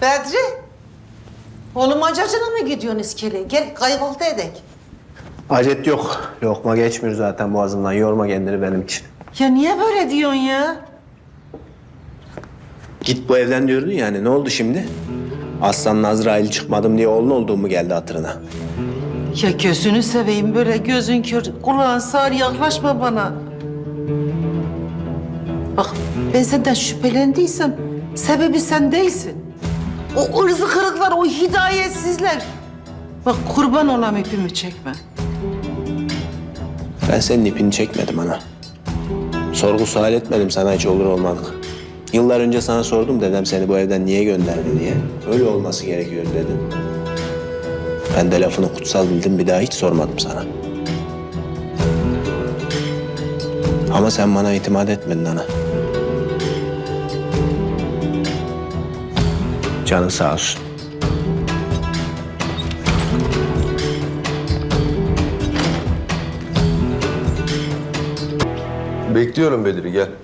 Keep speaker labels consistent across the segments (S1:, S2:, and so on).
S1: Bedri, oğlum acacına mı gidiyorsun iskeleye? Gel kahvaltı edek.
S2: Acet yok. Lokma geçmiyor zaten boğazımdan. Yorma kendini benim için.
S1: Ya niye böyle diyorsun ya?
S2: Git bu evden diyordun yani. Ne oldu şimdi? Aslan Azrail çıkmadım diye oğlun olduğum mu geldi hatırına?
S1: Ya gözünü seveyim, böyle gözün kör, kulağın sağır, yaklaşma bana. Bak, ben senden şüphelendiysem sebebi sen değilsin. O ırzı kırıklar, o hidayetsizler. Bak kurban olam ipimi çekme.
S2: Ben senin ipini çekmedim ana. Sorgu sual etmedim sana hiç olur olmadık. Yıllar önce sana sordum dedem seni bu evden niye gönderdi diye. Öyle olması gerekiyor dedim. Ben de lafını kutsal bildim, bir daha hiç sormadım sana. Ama sen bana itimat etmedin ana. Canın sağ olsun.
S3: Bekliyorum Bedri, gel.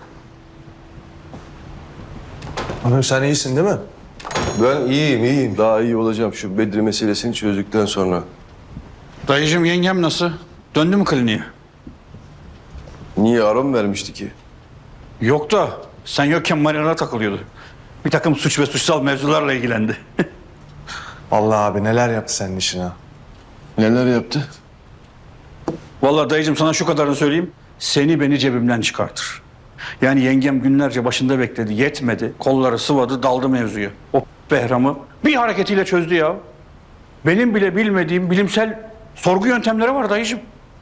S4: Hanım sen iyisin değil mi?
S3: Ben iyiyim. Daha iyi olacağım şu Bedri meselesini çözdükten sonra.
S5: Dayıcığım yengem nasıl? Döndü mü kliniğe?
S3: Niye ara mı vermişti ki?
S5: Yok da sen yokken Mariana takılıyordu. Bir takım suç ve suçsal mevzularla ilgilendi.
S4: Allah abi neler yaptı senin işine.
S3: Neler yaptı?
S5: Vallahi dayıcığım sana şu kadarını söyleyeyim. Seni beni cebimden çıkartır. Yani yengem günlerce başında bekledi, yetmedi. Kolları sıvadı, daldı mevzuya. O Behram'ı bir hareketiyle çözdü ya. Benim bile bilmediğim bilimsel sorgu yöntemleri var dayıcığım.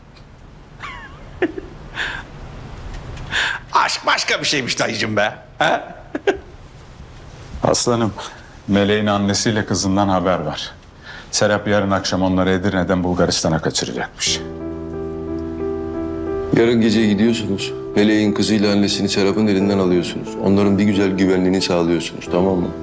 S5: Aşk başka bir şeymiş dayıcığım be. He?
S6: Aslanım, Meleğin annesiyle kızından haber var. Serap yarın akşam onları Edirne'den Bulgaristan'a kaçıracakmış.
S3: Yarın gece gidiyorsunuz. Meleğin kızıyla annesini Serap'ın elinden alıyorsunuz. Onların bir güzel güvenliğini sağlıyorsunuz, tamam mı?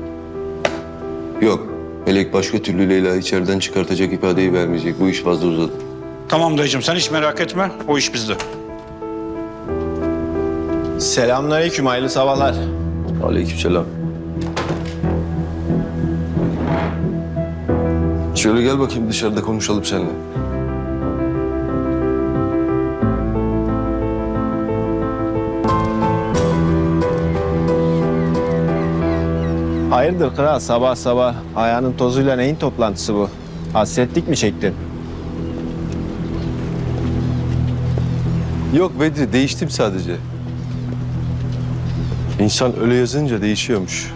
S3: Yok, Melek başka türlü Leyla'yı içeriden çıkartacak ifadeyi vermeyecek. Bu iş fazla uzadı.
S5: Tamam dayıcığım sen hiç merak etme. O iş bizde.
S2: Selamünaleyküm, hayırlı sabahlar.
S3: Aleykümselam. Şöyle gel bakayım, dışarıda konuşalım seninle.
S2: Hayırdır kral, sabah sabah ayağının tozuyla neyin toplantısı bu? Hasretlik mi çektin?
S3: Yok Bedri, değiştim sadece. İnsan öyle yazınca değişiyormuş.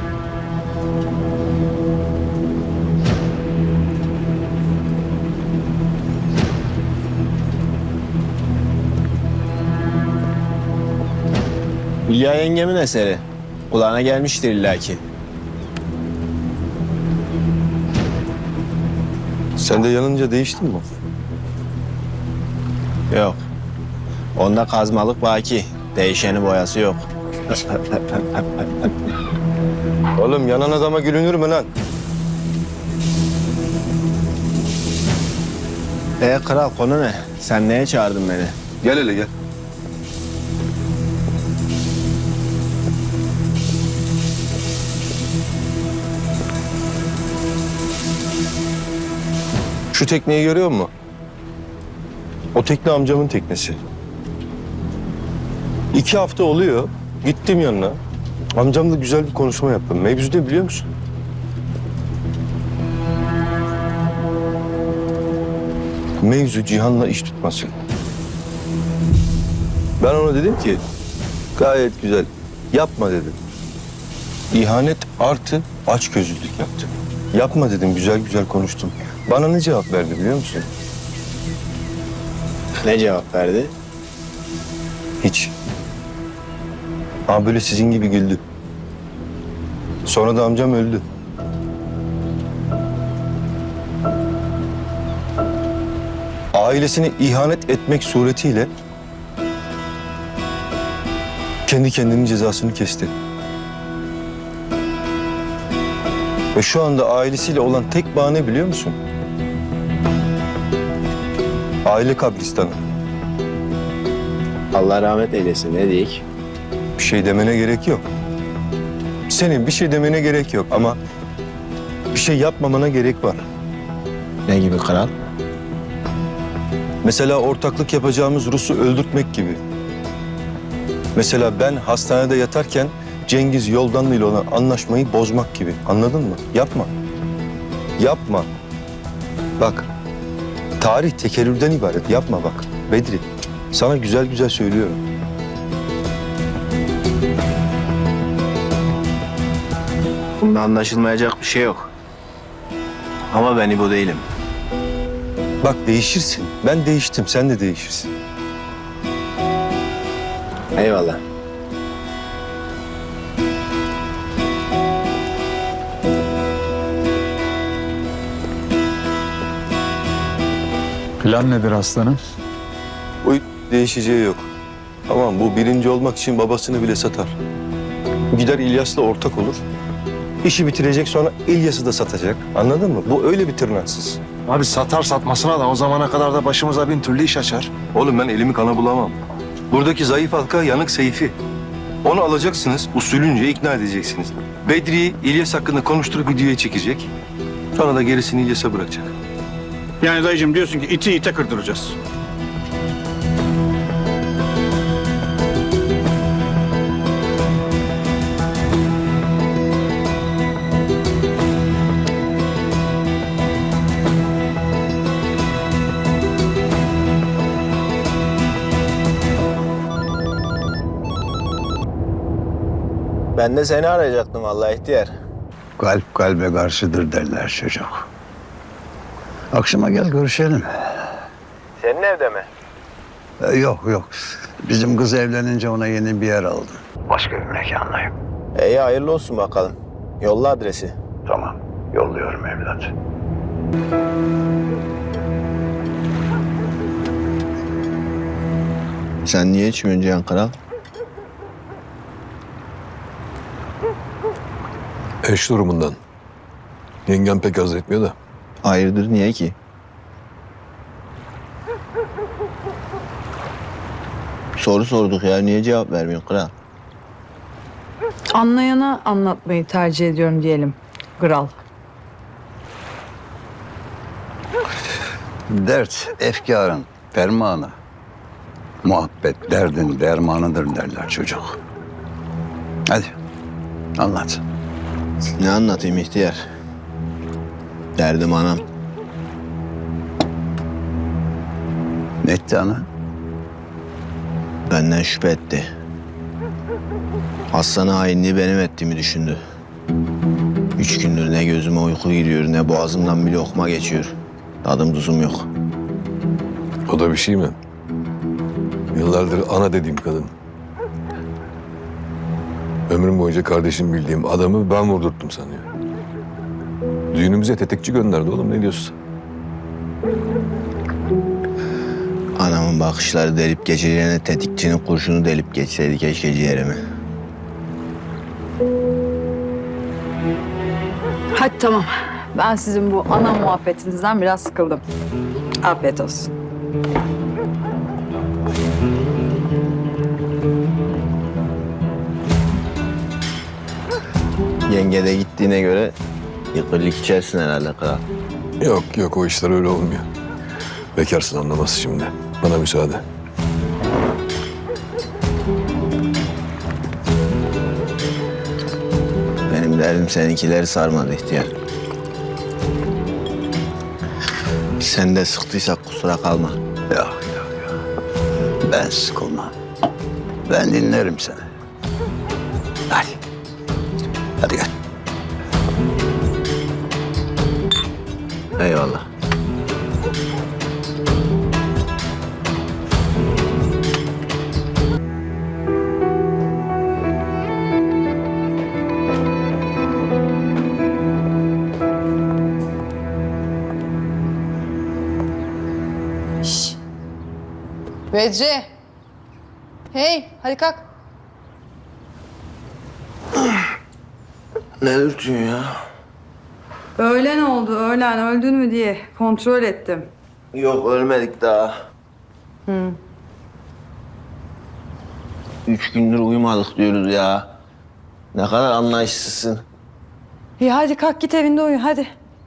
S2: Hülya yengemin eseri. Kulağına gelmiştir illaki.
S3: Sen de yanınca değiştin mi?
S2: Yok. Onda kazmalık baki. Değişeni boyası yok.
S3: Oğlum yanan adama gülünür mü lan?
S2: Kral konu ne? Sen neye çağırdın beni?
S3: Gel hele gel. Şu tekneyi görüyor musun? O tekne amcamın teknesi. 2 hafta oluyor. Gittim yanına. Amcamla güzel bir konuşma yaptım. Mevzu ne biliyor musun? Mevzu Cihan'la iş tutması. Ben ona dedim ki gayet güzel. Yapma dedim. İhanet artı açgözlülük yaptı. Yapma dedim, güzel güzel konuştum. Bana ne cevap verdi biliyor musun?
S2: Ne cevap verdi?
S3: Hiç. Ama böyle sizin gibi güldü. Sonra da amcam öldü. Ailesine ihanet etmek suretiyle kendi kendinin cezasını kesti. Ve şu anda ailesiyle olan tek bağ ne biliyor musun? Aile kabristanı.
S2: Allah rahmet eylesin, ne diyeyim?
S3: Bir şey demene gerek yok. Senin bir şey demene gerek yok ama bir şey yapmamana gerek var.
S2: Ne gibi kral?
S3: Mesela ortaklık yapacağımız Rus'u öldürtmek gibi. Mesela ben hastanede yatarken Cengiz Yoldanlı ile olan anlaşmayı bozmak gibi. Anladın mı? Yapma. Yapma. Bak, tarih tekerrürden ibaret. Yapma bak. Bedri, sana güzel güzel söylüyorum.
S2: Bunda anlaşılmayacak bir şey yok. Ama ben İbo değilim.
S3: Bak değişirsin. Ben değiştim, sen de değişirsin.
S2: Eyvallah.
S6: Plan nedir aslanım?
S3: Bu değişeceği yok. Tamam, bu birinci olmak için babasını bile satar. Gider İlyas'la ortak olur. İşi bitirecek, sonra İlyas'ı da satacak. Anladın mı? Bu öyle bir tırnaksız.
S4: Abi satar satmasına da o zamana kadar da başımıza bin türlü iş açar.
S3: Oğlum ben elimi kana bulamam. Buradaki zayıf halka yanık Seyfi. Onu alacaksınız, usulünce ikna edeceksiniz. Bedri'yi İlyas hakkında konuşturup videoya çekecek. Sonra da gerisini İlyas'a bırakacak.
S5: Yani dayıcığım diyorsun ki iti ite kırdıracağız.
S2: Ben de seni arayacaktım vallahi ihtiyar.
S7: Kalp kalbe karşıdır derler çocuk. Akşama gel görüşelim.
S2: Senin evde mi?
S7: Yok. Bizim kız evlenince ona yeni bir yer aldım. Başka bir mekandayım.
S2: İyi hayırlı olsun bakalım. Yolla adresi.
S7: Tamam, yolluyorum evlat.
S2: Sen niye içmiyorsun Cihan Kral?
S8: Eş durumundan. Yengem pek haz etmiyor da.
S2: Hayırdır niye ki? Soru sorduk ya niye cevap vermiyorsun kral?
S9: Anlayana anlatmayı tercih ediyorum diyelim. Kral.
S7: Dert, efkarın fermanı. Muhabbet derdin dermanıdır derler çocuk. Hadi, anlat.
S2: Ne anlatayım ihtiyar? Derdim anam.
S7: Ne etti ana?
S2: Benden şüphe etti. Aslan'a hainliği benim ettiğimi düşündü. 3 gündür ne gözüme uyku giriyor ne boğazımdan bir lokma geçiyor. Tadım tuzum yok.
S8: O da bir şey mi? Yıllardır ana dediğim kadın. Ömrüm boyunca kardeşim bildiğim adamı ben vurdurttum sanıyor. Düğünümüze tetikçi gönderdi oğlum ne diyorsun?
S2: Anamın bakışları delip geçeceğine tetikçinin kurşunu delip geçseydi keşke ciğerimi.
S9: Hadi tamam. Ben sizin bu ana muhabbetinizden biraz sıkıldım. Afiyet olsun.
S2: Yenge de gittiğine göre yıkırlık içersin herhalde kral.
S8: Yok o işler öyle olmuyor. Bekarsın anlamaz şimdi. Bana müsaade.
S2: Benim derdim seninkileri sarmadı ihtiyar. Sen de sıktıysak kusura kalma.
S7: Yok. Ben sıkılmam. Ben dinlerim seni. Hadi gel.
S2: Eyvallah.
S10: Bedri. Hey, hadi kalk.
S2: Ne dürtüyorsun ya?
S9: Öğlen oldu, öğlen. Öldün mü diye kontrol ettim.
S2: Yok ölmedik daha. 3 gündür uyumadık diyoruz ya. Ne kadar anlayışsızsın.
S9: İyi hadi kalk git evinde uyu hadi.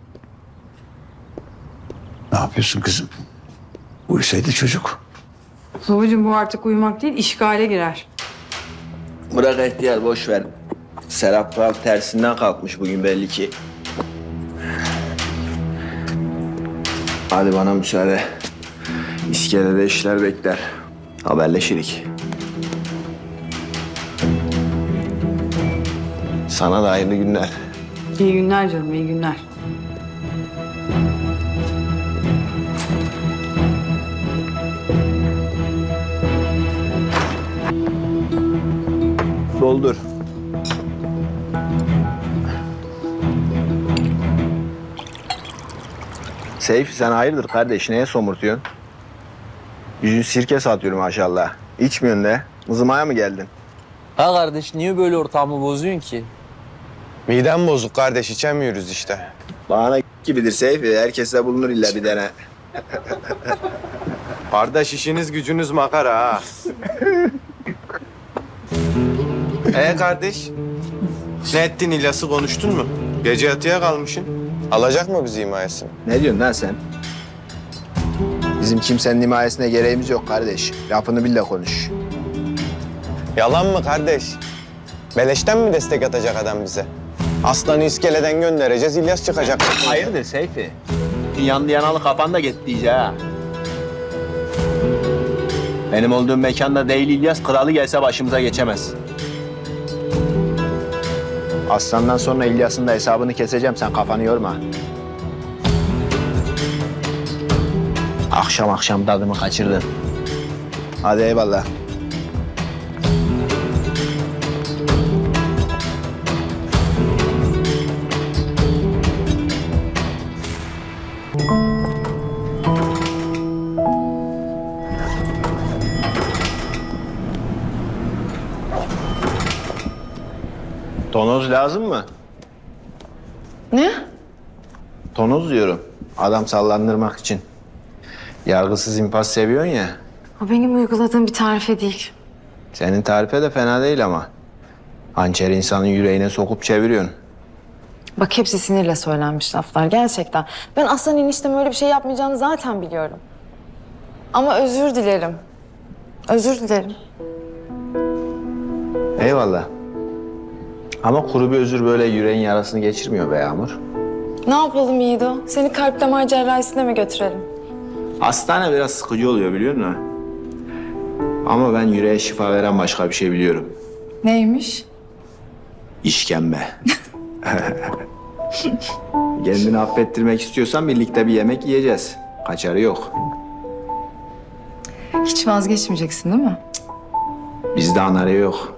S5: Ne yapıyorsun kızım? Uyusaydı çocuk.
S9: Babacığım bu artık uyumak değil işgale girer.
S2: Bırak ihtiyar, boş ver. Serap Kral tersinden kalkmış bugün belli ki. Hadi bana müsaade. İskelede işler bekler. Haberleşirik. Sana da hayırlı günler.
S9: İyi günler canım iyi günler.
S2: Doldur. Seyfi sen hayırdır kardeş? Neye somurtuyorsun? Yüzün sirke satıyor maşallah. İçmiyorsun de. Mızımaya mı geldin?
S11: Ha kardeş niye böyle ortamı bozuyorsun ki?
S4: Midem bozuk kardeş, içemiyoruz işte.
S2: Bana gibidir Seyfi. Herkeste bulunur illa bir tane.
S4: Kardeş işiniz gücünüz makara ha. Kardeş? Ne ettin İlyas'ı konuştun mu? Gece yatıya kalmışsın. Alacak mı bizi himayesini?
S2: Ne diyorsun lan sen? Bizim kimsenin himayesine gereğimiz yok kardeş. Lafını bil de konuş.
S4: Yalan mı kardeş? Beleşten mi destek atacak adam bize? Aslanı iskeleden göndereceğiz, İlyas çıkacak.
S2: Hayırdır Seyfi? Yandı yanalı kafan da gitti iyice ha. Benim olduğum mekanda değil İlyas, kralı gelse başımıza geçemez. Aslandan sonra İlyas'ın da hesabını keseceğim, sen kafanı yorma. Akşam akşam tadımı kaçırdın. Hadi eyvallah. Tonoz lazım mı?
S10: Ne?
S2: Tonoz diyorum. Adam sallandırmak için. Yargısız infaz seviyorsun ya.
S10: O benim uyguladığım bir tarife değil.
S2: Senin tarife de fena değil ama. Hançer insanın yüreğine sokup çeviriyorsun.
S10: Bak hepsi sinirle söylenmiş laflar gerçekten. Ben Aslan eniştem öyle bir şey yapmayacağını zaten biliyorum. Ama özür dilerim. Özür dilerim.
S2: Eyvallah. Ama kuru bir özür böyle yüreğin yarasını geçirmiyor be Yağmur.
S10: Ne yapalım Yiğido? Seni kalp damar cerrahisine mi götürelim?
S2: Hastane biraz sıkıcı oluyor biliyor musun? Ama ben yüreğe şifa veren başka bir şey biliyorum.
S9: Neymiş?
S2: İşkembe. Kendini affettirmek istiyorsan birlikte bir yemek yiyeceğiz. Kaçarı yok.
S9: Hiç vazgeçmeyeceksin değil mi?
S2: Bizde anarya yok.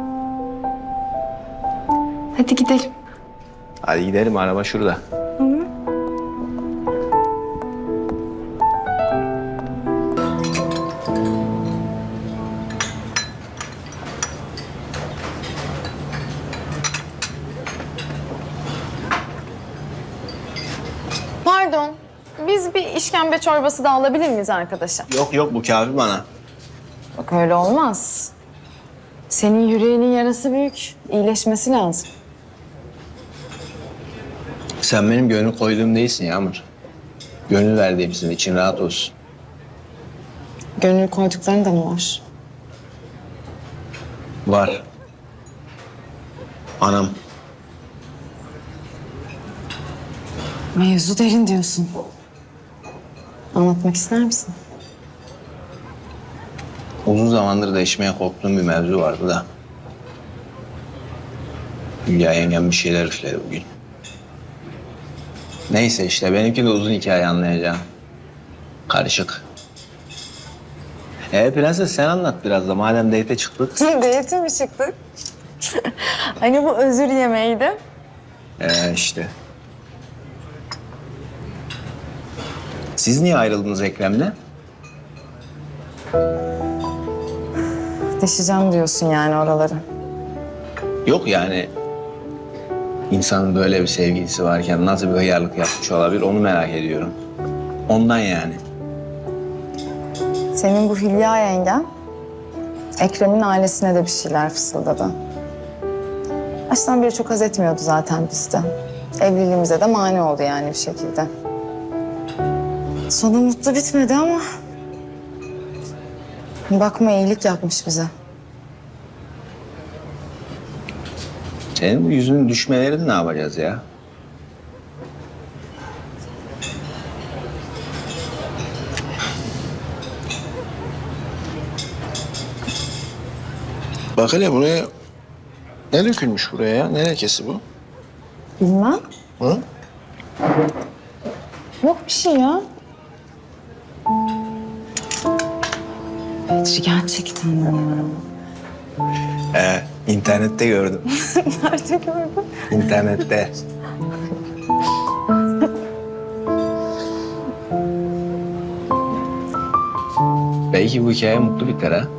S9: Hadi gidelim.
S2: Hadi gidelim, araba şurada.
S10: Pardon. Biz bir işkembe çorbası da alabilir miyiz arkadaşa?
S2: Yok yok, bu kafi bana.
S10: Bak öyle olmaz. Senin yüreğinin yarası büyük. İyileşmesi lazım.
S2: Sen benim gönül koyduğum değilsin Yağmur. Gönül verdiğimsin, için rahat olsun.
S10: Gönül koydukların da mı var?
S2: Var. Anam.
S10: Mevzu derin diyorsun. Anlatmak ister misin?
S2: Uzun zamandır değişmeye korktuğum bir mevzu vardı da. Hülya yengem bir şeyler üfledi bugün. Neyse işte, benimki de uzun hikaye, anlayacağım. Karışık. Prenses sen anlat biraz da, madem date'e çıktık.
S10: Date'e mi çıktık? Hani bu özür yemeğiydi.
S2: İşte. Siz niye ayrıldınız Ekrem'le?
S10: Deşeceğim diyorsun yani oraları.
S2: Yok yani, insanın böyle bir sevgilisi varken nasıl bir hıyarlık yapmış olabilir, onu merak ediyorum. Ondan yani.
S10: Senin bu Hülya yengen Ekrem'in ailesine de bir şeyler fısıldadı. Baştan beri çok haz etmiyordu zaten bizden. Evliliğimize de mani oldu yani bir şekilde. Sonu mutlu bitmedi ama... Bakma iyilik yapmış bize.
S2: Senin bu yüzünün düşmelerini ne yapacağız ya? Bak hele buraya ne dökülmüş buraya ya? Ne lekesi bu?
S10: Bilmem.
S2: Hı?
S10: Yok bir şey ya. Bedri gerçekten ya.
S2: İnternette gördüm.
S10: Nerede gördün?
S2: İnternette. Belki bu hikaye mutlu biter ha.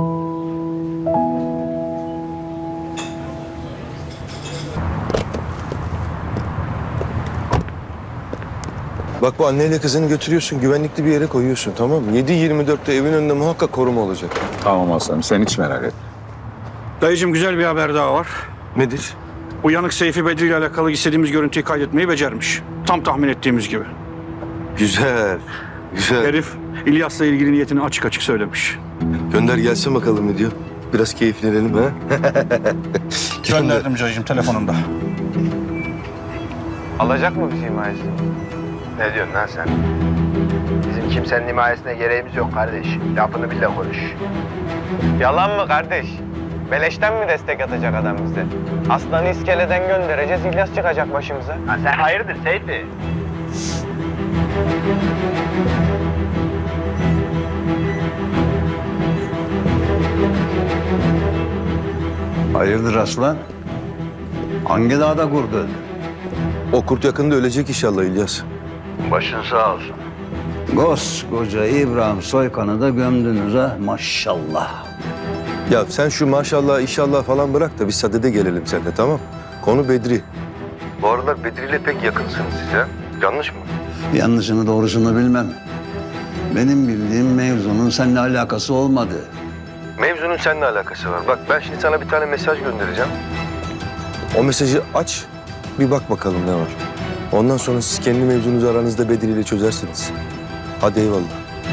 S3: Bak bu anneyle kızını götürüyorsun, güvenlikli bir yere koyuyorsun, tamam mı? 7-24'te evin önünde muhakkak koruma olacak.
S6: Tamam aslanım, sen hiç merak etme.
S5: Dayıcığım güzel bir haber daha var.
S3: Nedir?
S5: Uyanık Seyfi Bedri ile alakalı istediğimiz görüntüyü kaydetmeyi becermiş. Tam tahmin ettiğimiz gibi.
S3: Güzel, güzel.
S5: Herif İlyas'la ilgili niyetini açık açık söylemiş.
S3: Gönder gelsin bakalım ne diyor. Biraz keyiflenelim ha.
S5: Gönderdim dayıcığım telefonunda.
S4: Alacak mı bizi himayesini?
S2: Ne diyorsun lan sen? Bizim kimsenin himayesine gereğimiz yok kardeş. Lafını bil de konuş.
S4: Yalan mı kardeş? Beleşten mi destek atacak adam bize? Aslanı iskeleden göndereceğiz, İlyas çıkacak başımıza.
S2: Ha sen hayırdır Seyfi?
S7: Hayırdır aslan? Hangi dağda kurdun?
S3: O kurt yakında ölecek inşallah İlyas.
S7: Başın sağ olsun. Koskoca İbrahim Soykan'ı da gömdünüz ha maşallah.
S3: Ya sen şu maşallah inşallah falan bırak da biz sadede gelelim seninle, tamam? Konu Bedri. Bu aralar Bedri ile pek yakınsınız siz ha? Yanlış mı?
S7: Yanlışını doğrusunu bilmem. Benim bildiğim mevzunun seninle alakası olmadı.
S3: Mevzunun seninle alakası var. Bak ben şimdi sana bir tane mesaj göndereceğim. O mesajı aç, bir bak bakalım ne var. Ondan sonra siz kendi mevzunuzu aranızda Bedri ile çözersiniz. Hadi eyvallah.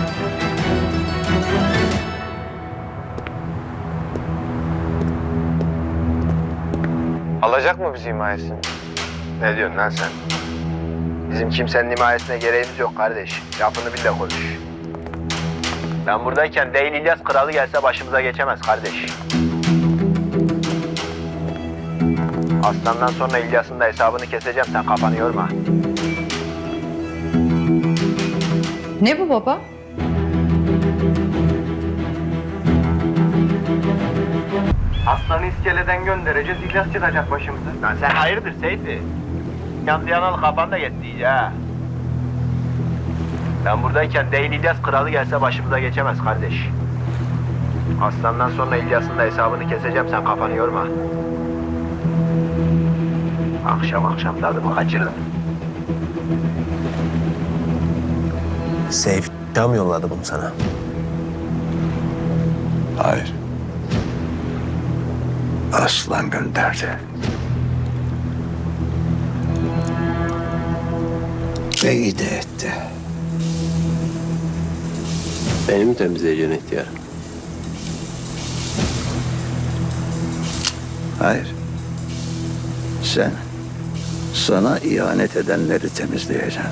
S4: Alacak mı bizi himayesini?
S2: Ne diyorsun lan sen? Bizim kimsenin himayesine gereğimiz yok kardeş. Lafını bil de konuş. Ben buradayken değil İlyas kralı gelse başımıza geçemez kardeş. Aslandan sonra İlyas'ın da hesabını keseceğim. Sen kafanı yorma.
S9: Ne bu baba?
S2: Aslanı iskeleden göndereceğiz. İlyas çıkacak başımıza. Lan sen hayırdır Seyfi? Yandı yanalı kafan da gitti iyice ha. Ben buradayken değil İlyas kralı gelse başımıza geçemez kardeş. Aslandan sonra İlyas'ın da hesabını keseceğim. Sen kafanı yorma. Akşam tadımı kaçırdım. Seyf tam yolladı bunu sana.
S7: Hayır. Aslan gönderdi. Ve iyi de etti.
S2: Beni mi temizleyeceksin ihtiyar?
S7: Hayır. Sen sana ihanet edenleri temizleyeceksin.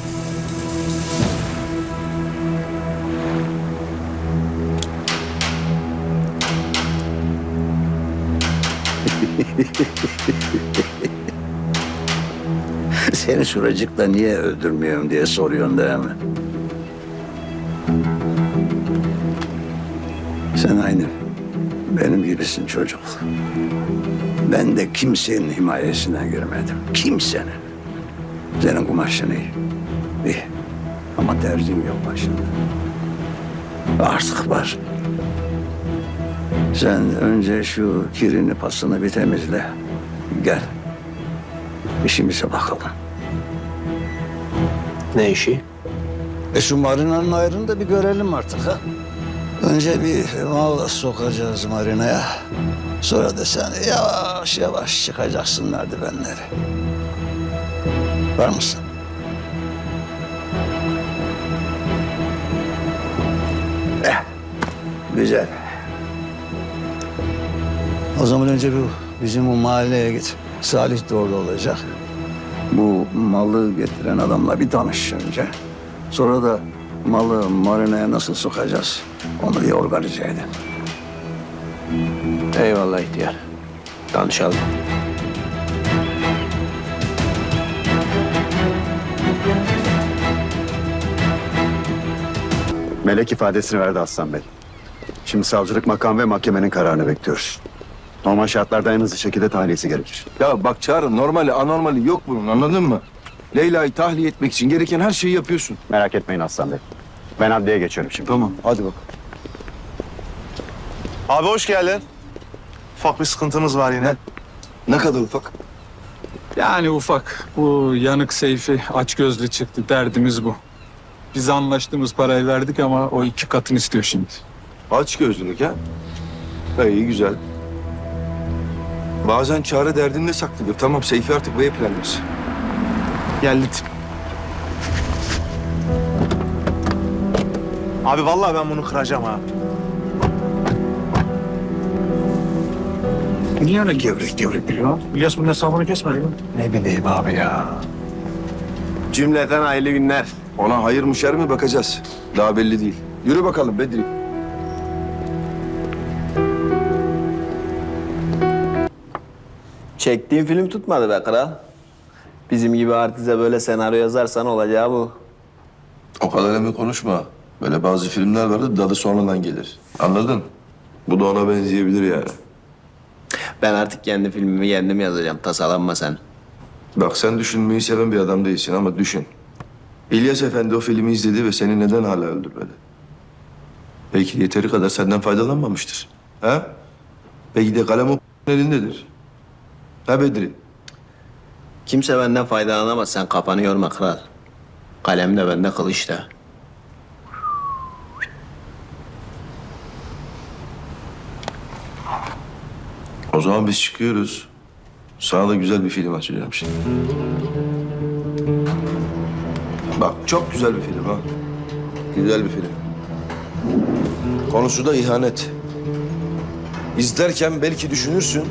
S7: Seni şuracıkla niye öldürmüyorum diye soruyorsun değil mi? Sen aynı benim gibisin çocuk. Ben de kimsenin himayesine girmedim. Kimsenin. Senin kumaşın iyi. İyi. Ama tercihim yok başında. Artık var. Sen önce şu kirini pasını bir temizle. Gel. İşimize bakalım.
S2: Ne işi?
S7: Şu marinanın ayrını da bir görelim artık ha. Önce bir mal sokacağız marinaya. Sonra da sen yavaş yavaş çıkacaksın merdivenleri. Var mısın? Güzel. O zaman önce bizim o mahalleye git. Salih de orada olacak. Bu malı getiren adamla bir tanış önce. Sonra da malı marinaya nasıl sokacağız onu bir organize edin.
S2: Eyvallah ihtiyar. Danışalım.
S12: Melek ifadesini verdi Aslan Bey. Şimdi savcılık makam ve mahkemenin kararını bekliyoruz. Normal şartlarda en hızlı şekilde tahliyesi gerekir.
S3: Ya bak Çağrı, normali anormali yok bunun, anladın mı? Leyla'yı tahliye etmek için gereken her şeyi yapıyorsun.
S12: Merak etmeyin Aslan Bey. Ben adliyeye geçiyorum şimdi.
S3: Tamam, hadi bak.
S4: Abi hoş geldin. Ufak bir sıkıntımız var yine.
S3: Ne kadar ufak?
S13: Yani ufak. Bu yanık Seyfi açgözlü çıktı. Derdimiz bu. Biz anlaştığımız parayı verdik ama o 2 katını istiyor şimdi.
S3: Aç gözlülük ha? İyi, güzel. Bazen Çağrı derdinde saklıdır. Tamam, Seyfi artık bu yapılanmış.
S4: Geldi. Abi vallahi ben bunu kıracağım ha.
S5: Niye öyle gevrek gevrek biliyor? İlyas bunun hesabını kesmedi mi?
S4: Ne bileyim abi ya. Cümleten hayırlı günler.
S3: Ona hayır mı şer mi bakacağız. Daha belli değil. Yürü bakalım Bedri.
S2: Çektiğin film tutmadı be kral. Bizim gibi artize böyle senaryo yazarsan olacağı bu.
S3: O kadar emin konuşma. Böyle bazı filmler vardı, dadı sonradan gelir. Anladın? Bu da ona benzeyebilir yani.
S2: Ben artık kendi filmimi kendim yazacağım. Tasalanma sen.
S3: Bak sen düşünmeyi seven bir adam değilsin ama düşün. İlyas Efendi o filmi izledi ve seni neden hala öldürmedi? Belki de yeteri kadar senden faydalanmamıştır. Ha? Belki de kalem o elindedir. Ha Bedri?
S2: Kimse benden faydalanamaz. Sen kafanı yorma kral. Kalem de bende, kılıç da.
S3: O zaman biz çıkıyoruz. Sana da güzel bir film açacağım şimdi. Bak çok güzel bir film ha. Güzel bir film. Konusu da ihanet. İzlerken belki düşünürsün.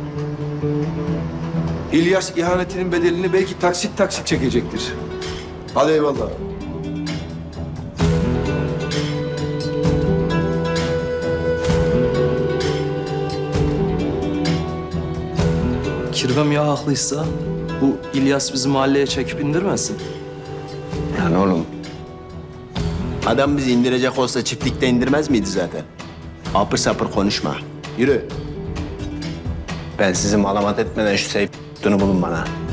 S3: İlyas ihanetinin bedelini belki taksit taksit çekecektir. Hadi eyvallah.
S11: Kirvem ya haklıysa bu İlyas bizi mahalleye çekip indirmesin.
S2: Yani oğlum. Adam bizi indirecek olsa çiftlikte indirmez miydi zaten? Apır sapır konuşma. Yürü. Ben sizi malamat etmeden şu Seyfi'ni bulun bana.